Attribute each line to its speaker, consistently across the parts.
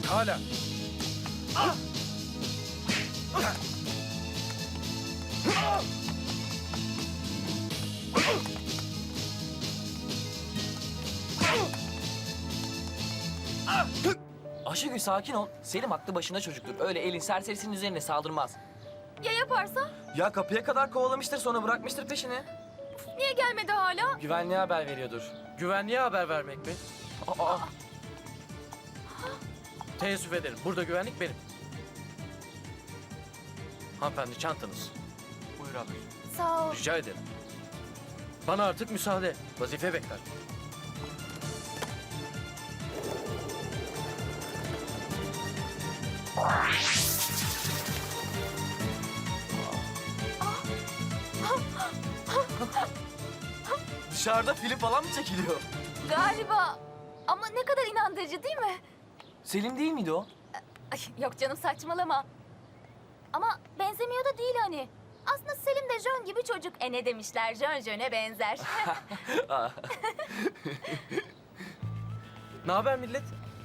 Speaker 1: hala.
Speaker 2: Ayşegül sakin ol. Selim aklı başında çocuktur. Öyle elin serserisinin üzerine saldırmaz.
Speaker 3: Ya yaparsa?
Speaker 2: Ya kapıya kadar kovalamıştır sonra bırakmıştır peşini.
Speaker 3: Niye gelmedi hala?
Speaker 2: Güvenliğe haber veriyordur.
Speaker 1: Güvenliğe haber vermek mi?
Speaker 2: Aa,
Speaker 1: Teessüf ederim. Burada güvenlik benim. Hanımefendi çantanız.
Speaker 2: buyur abi.
Speaker 3: Sağ ol.
Speaker 1: Rica ederim. Bana artık müsaade. Vazife bekler.
Speaker 2: Dışarıda film falan mı çekiliyor?
Speaker 3: Galiba. Ama ne kadar inandırıcı değil mi?
Speaker 2: Selim değil miydi o?
Speaker 3: Ay, yok canım saçmalama. Ama benzemiyor da değil hani. Aslında Selim de Jön gibi çocuk. Ne demişler? Jön Jön'e benzer.
Speaker 1: Ne haber millet?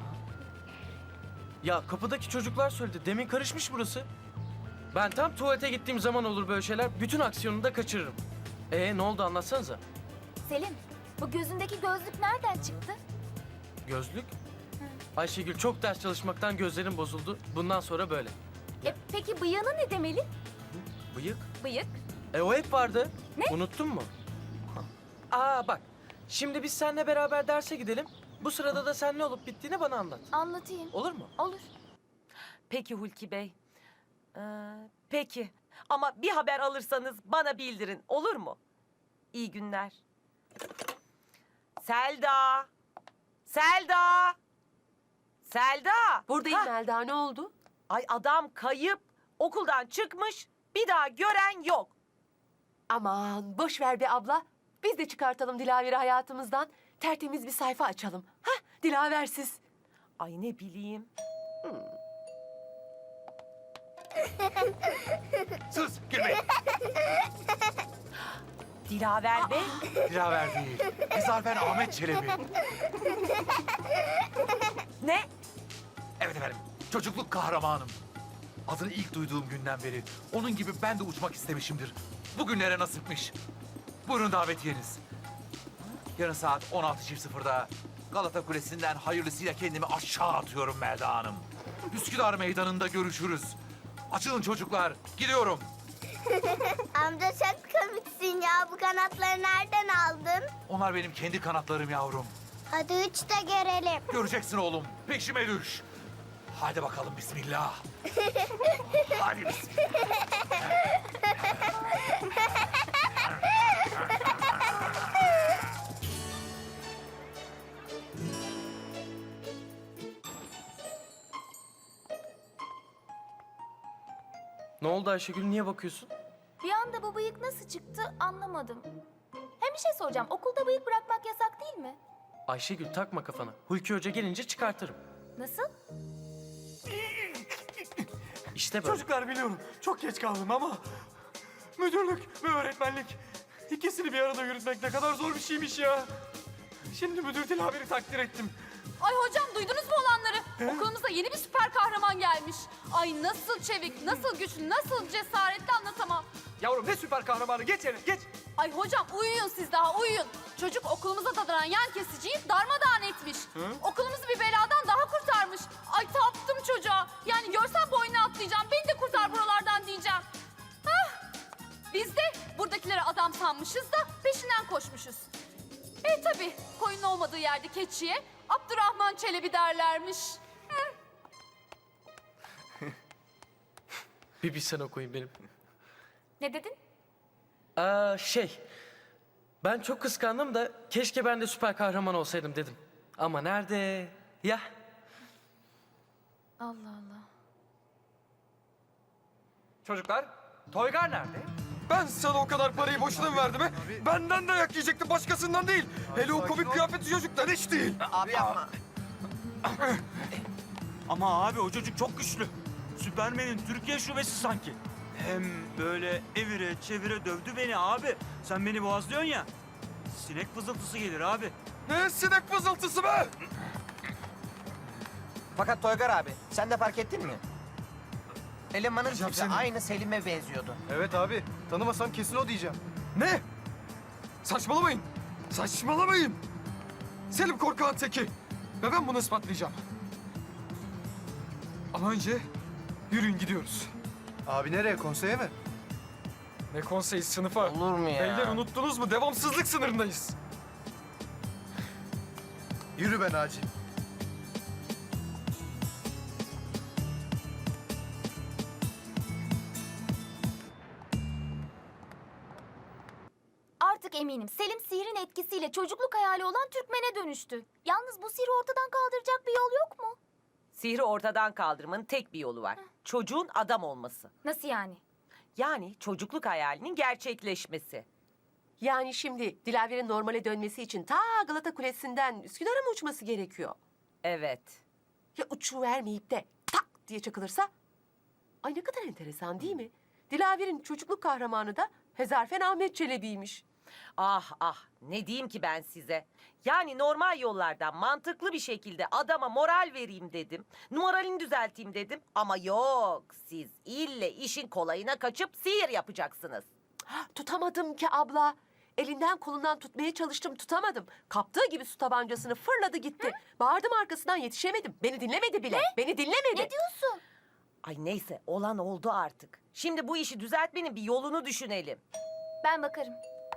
Speaker 1: Ya kapıdaki çocuklar söyledi. Demin karışmış burası. Ben tam tuvalete gittiğim zaman olur böyle şeyler. Bütün aksiyonunu da kaçırırım. Ne oldu anlatsanıza.
Speaker 3: Selim, bu gözündeki gözlük nereden çıktı?
Speaker 1: Gözlük? Ayşegül çok ders çalışmaktan gözlerim bozuldu. Bundan sonra böyle.
Speaker 3: Peki bıyığına ne demeli?
Speaker 1: Bıyık?
Speaker 3: Bıyık.
Speaker 1: O hep vardı.
Speaker 3: Ne?
Speaker 1: Unuttun mu? Bak. Şimdi biz seninle beraber derse gidelim. Bu sırada da sen ne olup bittiğini bana anlat.
Speaker 3: Anlatayım.
Speaker 1: Olur mu?
Speaker 3: Olur.
Speaker 4: Peki Hulki Bey. Peki. Ama bir haber alırsanız bana bildirin. Olur mu? İyi günler. Selda. Selda. Selda.
Speaker 5: Buradayım
Speaker 4: Hah.
Speaker 5: Melda, ne oldu?
Speaker 4: Ay adam kayıp. Okuldan çıkmış. Bir daha gören yok.
Speaker 5: Aman boş ver be abla. Biz de çıkartalım Dilaver'i hayatımızdan. Tertemiz bir sayfa açalım. Hah, Dilaversiz.
Speaker 4: Ay ne bileyim.
Speaker 6: Sus, girmeyin.
Speaker 4: Dilaver Bey.
Speaker 6: Dilaver değil. Ezarfen Ahmet Çelebi.
Speaker 4: Ne?
Speaker 6: Evet efendim, çocukluk kahramanım. Adını ilk duyduğum günden beri onun gibi ben de uçmak istemişimdir. Bugünlere nasipmiş. Buyurun davetiyeniz. Yarın saat 16.00'da Galata Kulesi'nden hayırlısıyla kendimi aşağı atıyorum Melda Hanım. Üsküdar Meydanı'nda görüşürüz. Açılın çocuklar, gidiyorum.
Speaker 7: Amca çok komiksin ya. Bu kanatları nereden aldın?
Speaker 6: Onlar benim kendi kanatlarım yavrum.
Speaker 7: Hadi uç da görelim.
Speaker 6: Göreceksin oğlum, peşime düş. Hadi bakalım bismillah. Hadi bismillah.
Speaker 1: Ne oldu Ayşegül? Niye bakıyorsun?
Speaker 3: Bir anda bu bıyık nasıl çıktı anlamadım. Hem bir şey soracağım. Okulda bıyık bırakmak yasak değil mi?
Speaker 1: Ayşegül takma kafana. Hulki Hoca gelince çıkartırım.
Speaker 3: Nasıl?
Speaker 1: İşte böyle.
Speaker 8: Çocuklar biliyorum çok geç kaldım ama müdürlük ve öğretmenlik ikisini bir arada yürütmek ne kadar zor bir şeymiş ya. Şimdi müdür Dilaver'i takdir ettim.
Speaker 9: Ay hocam duydunuz mu olanları? Okulumuza yeni bir süper kahraman gelmiş. Ay nasıl çevik, nasıl güçlü, nasıl cesaretli anlatamam.
Speaker 8: Yavrum ne süper kahramanı, geç yerine geç.
Speaker 9: Ay hocam uyuyun siz daha uyuyun. Çocuk okulumuza dadanan yan kesiciyi darmadağın etmiş. Okulumuzu bir beladan daha kurtarmış. Ay taptım çocuğa. Yani görsem boynuna atlayacağım. Beni de kurtar buralardan diyeceğim. Hah. Biz de buradakilere adam sanmışız da peşinden koşmuşuz. Tabii koyun olmadığı yerde keçiye Abdurrahman Çelebi derlermiş.
Speaker 1: Bir bilsen okuyun benim.
Speaker 3: Ne dedin?
Speaker 1: Ben çok kıskandım da keşke ben de süper kahraman olsaydım dedim. Ama nerede? Ya.
Speaker 3: Allah Allah.
Speaker 8: Çocuklar, Toygar nerede? Ben sana o kadar parayı boşuna mı verdim he? Benden dayak yiyecekti, başkasından değil. Hele o komik kıyafeti çocuktan hiç değil.
Speaker 2: Abi yapma.
Speaker 10: Ama abi o çocuk çok güçlü. Süpermen'in Türkiye şubesi sanki. Hem böyle evire çevire dövdü beni abi. Sen beni boğazlıyorsun ya. Sinek fızıltısı gelir abi.
Speaker 8: Ne sinek fızıltısı be?
Speaker 11: Fakat Toygar abi, sen de fark ettin mi? Elemanın
Speaker 8: Hocam
Speaker 11: tipi
Speaker 8: sen-
Speaker 11: aynı Selim'e benziyordu.
Speaker 8: Evet abi. Tanımasam kesin o diyeceğim. Ne? Saçmalamayın. Saçmalamayın. Selim korkağın teki. Ve ben bunu ispatlayacağım. Ama önce yürüyün gidiyoruz.
Speaker 12: Abi nereye? Konseye mi?
Speaker 8: Ne konseyi sınıfa?
Speaker 11: Olur mu ya?
Speaker 8: Beyler unuttunuz mu? Devamsızlık sınırındayız.
Speaker 12: Yürü be Naci.
Speaker 3: Artık eminim Selim sihrin etkisiyle çocukluk hayali olan Türkmen'e dönüştü. Yalnız bu sihri ortadan kaldıracak bir yol yok mu?
Speaker 4: Sihri ortadan kaldırmanın tek bir yolu var. Çocuğun adam olması.
Speaker 3: Nasıl yani?
Speaker 4: Yani çocukluk hayalinin gerçekleşmesi.
Speaker 5: Yani şimdi Dilaver'in normale dönmesi için ta Galata Kulesi'nden Üsküdar'a mı uçması gerekiyor?
Speaker 4: Evet.
Speaker 5: Ya uçuvermeyip de tak diye çakılırsa? Ay ne kadar enteresan değil mi? Dilaver'in çocukluk kahramanı da Hezarfen Ahmet Çelebi'ymiş.
Speaker 4: Ah ah, ne diyeyim ki ben size? Yani normal yollardan mantıklı bir şekilde adama moral vereyim dedim. Moralini düzelteyim dedim. Ama yok, siz ille işin kolayına kaçıp sihir yapacaksınız.
Speaker 5: Tutamadım ki abla. Elinden kolundan tutmaya çalıştım, tutamadım. Kaptığı gibi su tabancasını fırladı gitti. Bağırdım arkasından, yetişemedim. Beni dinlemedi bile. Beni dinlemedi.
Speaker 3: Ne diyorsun?
Speaker 4: Ay neyse, olan oldu artık. Şimdi bu işi düzeltmenin bir yolunu düşünelim.
Speaker 3: Ben bakarım.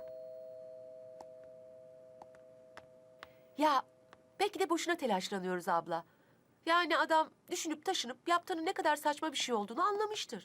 Speaker 5: Ya belki de boşuna telaşlanıyoruz abla. Yani adam düşünüp taşınıp yaptığının ne kadar saçma bir şey olduğunu anlamıştır.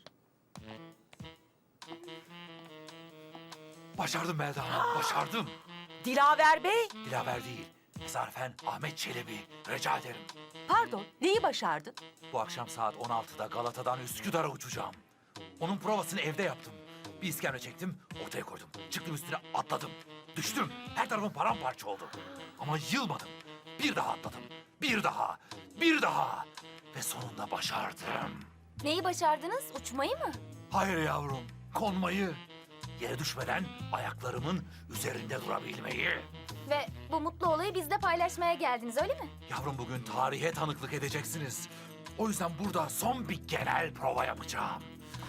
Speaker 6: Başardım Melda Hanım, başardım.
Speaker 4: Dilaver Bey,
Speaker 6: Dilaver değil, Hezarfen Ahmet Çelebi. Rica ederim.
Speaker 5: Pardon, neyi başardın?
Speaker 6: Bu akşam saat 16'da Galata'dan Üsküdar'a uçacağım. Onun provasını evde yaptım. Bir iskemle çektim, ortaya koydum. Çıktım üstüne atladım. Düştüm, her tarafım paramparça oldu. Ama yılmadım. Bir daha atladım. Bir daha, bir daha. Ve sonunda başardım.
Speaker 3: Neyi başardınız? Uçmayı mı?
Speaker 6: Hayır yavrum, konmayı. Yere düşmeden ayaklarımın üzerinde durabilmeyi.
Speaker 3: Ve bu mutlu olayı bizle paylaşmaya geldiniz öyle mi?
Speaker 6: Yavrum bugün tarihe tanıklık edeceksiniz. O yüzden burada son bir genel prova yapacağım.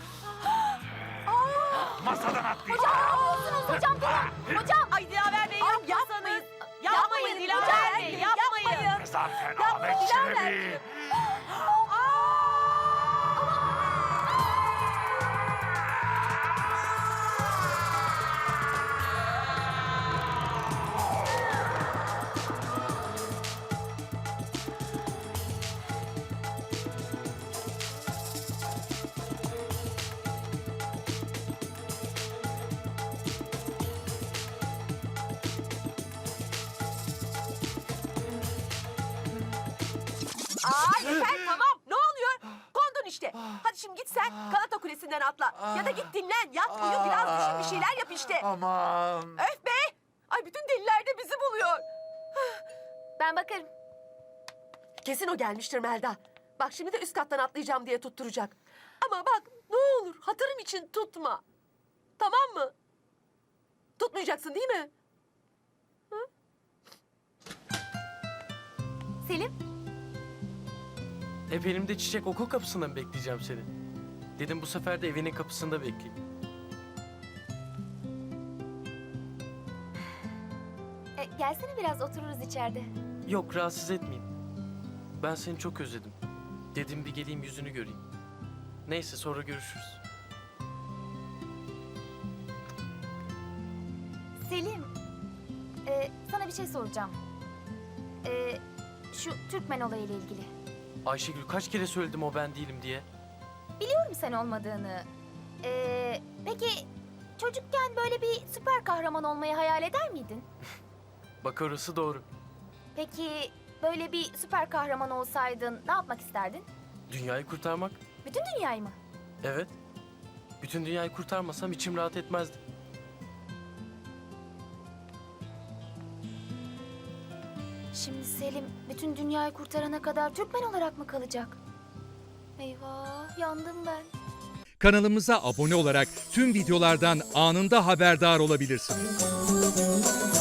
Speaker 6: Masadan atlayacağım.
Speaker 3: Hocam durun. Hocam.
Speaker 4: ay Dilaver Bey
Speaker 5: Ay,
Speaker 4: yapmasanız.
Speaker 5: yapmayın.
Speaker 4: Yapmayın Dilaver Bey, yapmayın.
Speaker 6: Hezarfen Ahmet Çelebi.
Speaker 5: Aa yeter tamam. Ne oluyor? Kondun işte. Hadi şimdi git sen Galata Kulesi'nden atla. Ya da git dinlen, yat, uyu, biraz düşün, bir şeyler yap işte.
Speaker 6: Aman.
Speaker 5: Öf be! Ay bütün deliler de bizi buluyor.
Speaker 3: Ben bakarım.
Speaker 5: Kesin o gelmiştir Melda. Bak şimdi de üst kattan atlayacağım diye tutturacak. Ama bak ne olur hatırım için tutma. Tamam mı? Tutmayacaksın değil mi?
Speaker 3: Selim.
Speaker 1: Hep elimde çiçek okul kapısında mı bekleyeceğim seni? Dedim bu sefer de evinin kapısında bekleyeyim.
Speaker 3: Gelsene biraz otururuz içeride.
Speaker 1: Yok rahatsız etmeyeyim. Ben seni çok özledim. Dedim bir geleyim yüzünü göreyim. Neyse sonra görüşürüz.
Speaker 3: Selim. Sana bir şey soracağım. Şu Türkmen olayıyla ilgili.
Speaker 1: Ayşegül kaç kere söyledim o ben değilim diye.
Speaker 3: Biliyorum sen olmadığını. Peki çocukken böyle bir süper kahraman olmayı hayal eder miydin?
Speaker 1: Bak orası doğru.
Speaker 3: Peki böyle bir süper kahraman olsaydın ne yapmak isterdin?
Speaker 1: Dünyayı kurtarmak.
Speaker 3: Bütün dünyayı mı?
Speaker 1: Evet. Bütün dünyayı kurtarmasam içim rahat etmezdi.
Speaker 3: Şimdi Selim bütün dünyayı kurtarana kadar Türkmen olarak mı kalacak? Eyvah yandım ben.
Speaker 13: Kanalımıza abone olarak tüm videolardan anında haberdar olabilirsiniz.